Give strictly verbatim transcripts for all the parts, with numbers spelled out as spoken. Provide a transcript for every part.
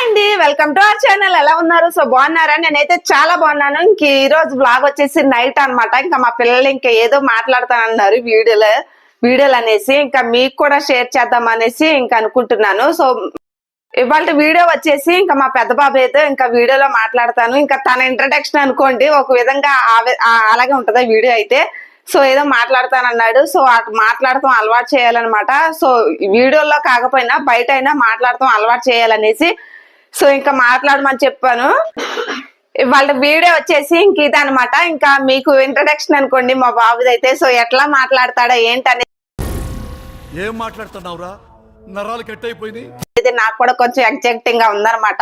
అండి, welcome to our channel. ఎలా ఉన్నారు? సో బాగున్నారా? నేనైతే చాలా బాగున్నాను. ఇంక ఈ రోజు బ్లాగ్ వచ్చేసి నైట్ అన్నమాట. ఇంకా మా పిల్లలు ఇంకా ఏదో మాట్లాడతానన్నారు వీడియోలో వీడియోలు అనేసి, ఇంకా మీకు కూడా షేర్ చేద్దాం అనేసి ఇంకా అనుకుంటున్నాను. సో ఇవాళ వీడియో వచ్చేసి ఇంకా మా పెద్ద బాబు అయితే ఇంకా వీడియోలో మాట్లాడతాను. ఇంకా తన ఇంట్రడక్షన్ అనుకోండి, ఒక విధంగా అలాగే ఉంటది వీడియో అయితే. సో ఏదో మాట్లాడతానన్నాడు. సో అటు మాట్లాడతాం అలవాటు చేయాలన్నమాట. సో వీడియోలో కాకపోయినా బయట అయినా మాట్లాడతాం అలవాటు చేయాలనేసి సో ఇంకా మాట్లాడమని చెప్పాను. వాళ్ళ వీడియో వచ్చేసి ఇంక ఇదనమాట. ఇంకా మీకు ఇంట్రడక్షన్ అనుకోండి మా బాబుది అయితే. సో ఎట్లా మాట్లాడతాడా ఏంటనేది ఏం మాట్లాడుతున్నావురా, నరాలు కట్ అయిపోయింది. ఇది నాకు కూడా కొంచెం ఎగ్జైటింగ్ గా ఉందన్నమాట.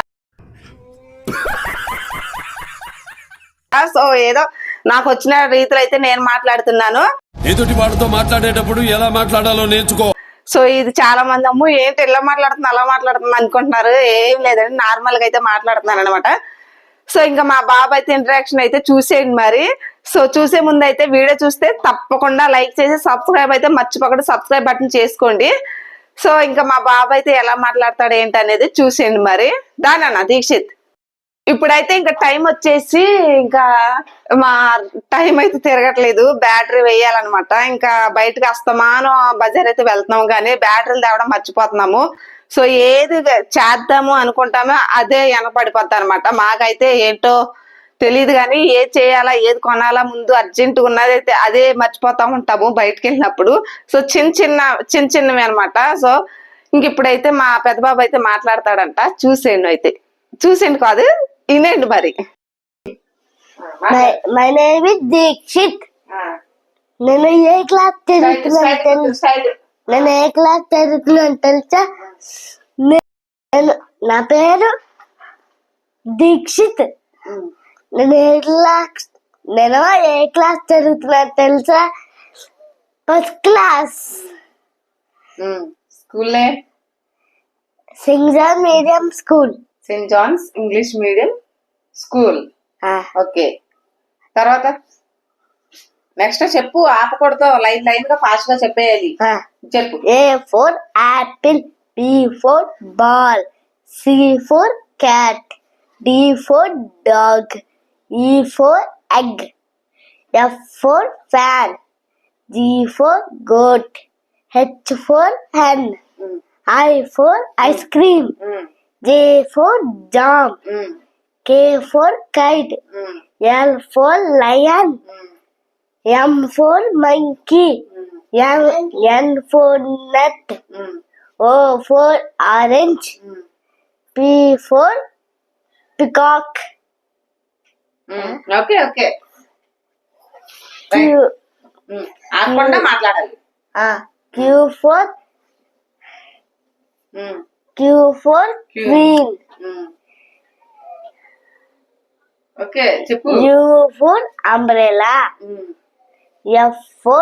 సో ఏదో నాకు వచ్చిన రీతిలో అయితే నేను మాట్లాడుతున్నాను. ఎదుటి వాడితో మాట్లాడేటప్పుడు ఎలా మాట్లాడాలో నేర్చుకో. సో ఇది చాలా మంది అమ్ము ఏంటి ఇలా మాట్లాడుతున్నా అలా మాట్లాడుతున్నా అనుకుంటున్నారు. ఏం లేదండి, నార్మల్ గా అయితే మాట్లాడుతున్నాను అనమాట. సో ఇంకా మా బాబు అయితే ఇంటరాక్షన్ అయితే చూసేయండి మరి. సో చూసే ముందు అయితే వీడియో చూస్తే తప్పకుండా లైక్ చేసి సబ్స్క్రైబ్ అయితే మర్చిపోకుండా సబ్స్క్రైబ్ బటన్ చేసుకోండి. సో ఇంకా మా బాబు అయితే ఎలా మాట్లాడతాడు ఏంటి అనేది చూసేయండి మరి. దానన్నా దీక్షిత్, ఇప్పుడైతే ఇంకా టైం వచ్చేసి ఇంకా మా టైం అయితే తిరగట్లేదు, బ్యాటరీ వేయాలన్నమాట. ఇంకా బయటకు వస్తామాను బజార్ అయితే వెళ్తున్నాము కానీ బ్యాటరీలు తేవడం మర్చిపోతున్నాము. సో ఏది చేద్దాము అనుకుంటామో అదే వెనపడిపోద్ది అనమాట. మాకైతే ఏంటో తెలియదు కానీ ఏది చేయాలా ఏది కొనాలా ముందు అర్జెంటుగా ఉన్నది అయితే అదే మర్చిపోతా ఉంటాము బయటకు వెళ్ళినప్పుడు. సో చిన్న చిన్న చిన్న చిన్నవి అనమాట. సో ఇంక ఇప్పుడైతే మా పెద్ద బాబు అయితే మాట్లాడతాడంట. చూసేయండి అయితే, చూసేయండి కాదు వినండి మరి. My name is Dikshith. నేను ఏ క్లాస్ చదువుతున్నాను నేను ఏ క్లాస్ చదువుతున్నాను తెలుసా? నేను నా పేరు దీక్షిత్. నేను ఏ క్లాస్ నేను ఏ క్లాస్ చదువుతున్నాను తెలుసా? First class. School Saint John medium school. Saint John's English medium school. Okay, తర్వాత నెక్స్ట్ చెప్పు, ఆపకూడదు, లైన్ లైన్ గా ఫాస్ట్ గా చెప్పేయాలి. చెప్పు. A for apple, B for ball, C for cat, D for dog, E for egg, F for fan, G for goat, H for hen, I for ice J for jam, mm. K for kite, mm. L for lion, mm. M for monkey, mm. N, N for nut, mm. O for orange, mm. P for peacock. Mm. Okay, okay. Q, mm. Q, మాట్లాడాలి. Ah, Q for mm. Q for queen. Okay చెప్పు. U for umbrella. F for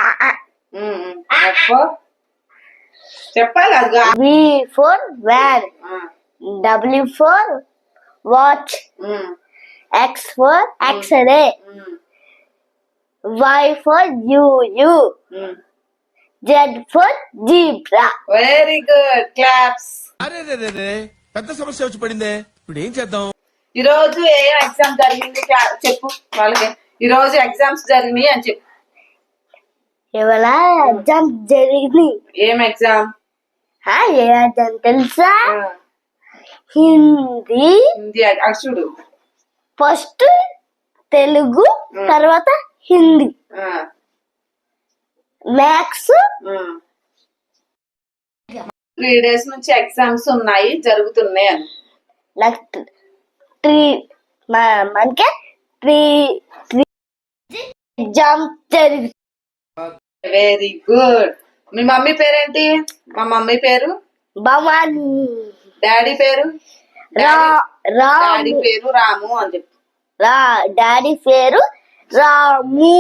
చెప్పాలి. V for van. W for watch. X for X-ray. Y for U U. Z for zebra. Very good, claps. అరే రే రే రే పెద్ద సమస్య వచ్చి పడిందే, ఇప్పుడు ఏం చేద్దాం? ఈ రోజు ఏ ఎగ్జామ్ జరిగింది చెప్పు వాళ్ళకి. ఈ రోజు ఎగ్జామ్స్ జరిగినాయి అని చెప్పు. ఇవాళ ఎగ్జామ్ జరిగింది. ఏం ఎగ్జామ్? ఏ ఎగ్జామ్ తెలుసా? హిందీ. హిందీ అటు చూడు. ఫస్ట్ తెలుగు, తర్వాత హిందీ. మ్యాథ్స్. త్రీ డేస్ నుంచి ఎగ్జామ్స్ ఉన్నాయి, జరుగుతున్నాయి అని. నెక్స్ట్ త్రీ మనకి త్రీ త్రీ ఎగ్జామ్ జరిగింది. Very good. మీ మమ్మీ పేరేంటి? మా మమ్మీ పేరు భవాని. డాడీ పేరు? రా డాడీ పేరు రాము అని చెప్పు. రా డాడీ పేరు రాము.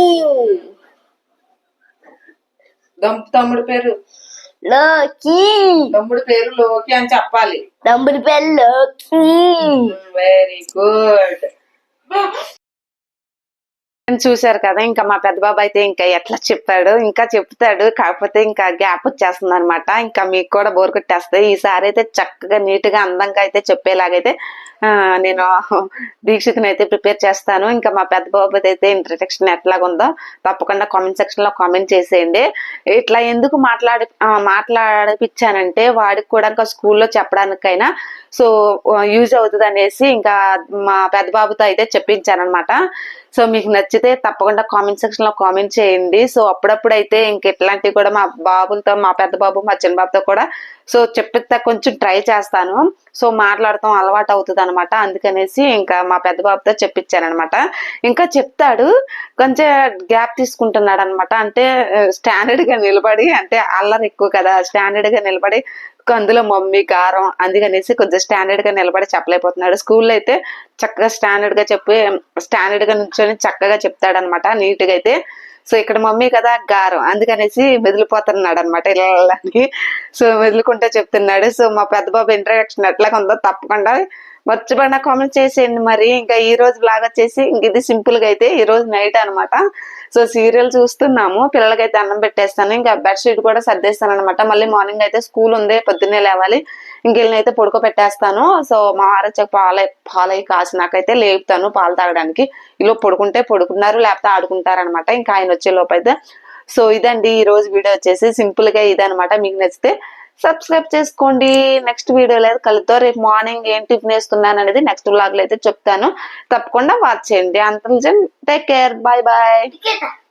తమ్ముడు పేరు లోకి. తమ్ముడు పేరు లోకి అని చెప్పాలి. తమ్ముడు పేరు లోకి. Very good. చూశారు కదా, ఇంకా మా పెద్ద బాబు అయితే ఇంకా ఎట్లా చెప్పాడు, ఇంకా చెప్తాడు, కాకపోతే ఇంకా గ్యాప్ వచ్చేస్తుంది అనమాట. ఇంకా మీకు కూడా బోర్ కొట్టేస్తాయి. ఈసారి అయితే చక్కగా నీట్ గా అందంగా అయితే చెప్పేలాగైతే ఆ నేను దీక్షితుని అయితే ప్రిపేర్ చేస్తాను. ఇంకా మా పెద్ద బాబు అయితే ఇంట్రడక్షన్ ఎట్లాగుందో తప్పకుండా కామెంట్ సెక్షన్ లో కామెంట్ చేసేయండి. ఇట్లా ఎందుకు మాట్లాడి మాట్లాడిపించానంటే వాడికి కూడా ఇంకా స్కూల్లో చెప్పడానికైనా సో యూజ్ అవుతుంది అనేసి ఇంకా మా పెద్ద బాబుతో అయితే చెప్పించాను అనమాట. సో మీకు నచ్చితే తప్పకుండా కామెంట్ సెక్షన్ లో కామెంట్ చేయండి. సో అప్పుడప్పుడు అయితే ఇంక ఇట్లాంటివి కూడా మా బాబులతో, మా పెద్ద బాబు మా చిన్న బాబుతో కూడా సో చెప్పితే కొంచెం ట్రై చేస్తాను. సో మాట్లాడటం అలవాటు అవుతుంది అనమాట. అందుకనేసి ఇంకా మా పెద్ద బాబుతో చెప్పించాను అనమాట. ఇంకా చెప్తాడు, కొంచెం గ్యాప్ తీసుకుంటున్నాడు అనమాట. అంటే స్టాండర్డ్ గా నిలబడి, అంటే అల్లరి ఎక్కువ కదా, స్టాండర్డ్ గా నిలబడి అందులో మమ్మీ గారం అందుకనేసి కొంచెం స్టాండర్డ్ గా నిలబడి చెప్పలేకపోతున్నాడు. స్కూల్లో అయితే చక్కగా స్టాండర్డ్ గా చెప్పి స్టాండర్డ్ గా నుంచొని చక్కగా చెప్తాడు అనమాట, నీట్ గా అయితే. సో ఇక్కడ మమ్మీ కదా గారం అందుకనేసి మెదిలిపోతున్నాడు అనమాట ఇళ్ళకి. సో మెదులుకుంటే చెప్తున్నాడు. సో మా పెద్ద బాబు ఇంట్రడక్షన్ ఎట్లాగా ఉందో తప్పకుండా మర్చిపోయినా కామెంట్ చేసేయండి. మరి ఇంకా ఈ రోజు బ్లాగ్ వచ్చేసి ఇంక ఇది సింపుల్ గా అయితే ఈ రోజు నైట్ అనమాట. సో సీరియల్ చూస్తున్నాము, పిల్లలకైతే అన్నం పెట్టేస్తాను, ఇంకా బెడ్షీట్ కూడా సర్దేస్తాను అనమాట. మళ్ళీ మార్నింగ్ అయితే స్కూల్ ఉంది, పొద్దున్నే లేవాలి. ఇంకెళ్ళి అయితే పడుకో పెట్టేస్తాను. సో మా వారొచ్చాక పాలై పాలై కాసి నాకైతే లేపుతాను పాలు తాగడానికి. ఇలా పడుకుంటే పడుకున్నారు, లేకపోతే ఆడుకుంటారు అనమాట. ఇంకా ఆయన వచ్చే లోపు అయితే. సో ఇదండి ఈ రోజు వీడియో వచ్చేసి సింపుల్ గా ఇదనమాట. మీకు నచ్చితే సబ్స్క్రైబ్ చేసుకోండి. నెక్స్ట్ వీడియోలో అయితే కలుద్దాం. రేపు మార్నింగ్ ఏం టిఫిన్ వేస్తున్నాను అనేది నెక్స్ట్ వ్లాగ్ లో అయితే చెప్తాను, తప్పకుండా వాచ్ చేయండి. అంత టేక్ కేర్, బాయ్ బాయ్.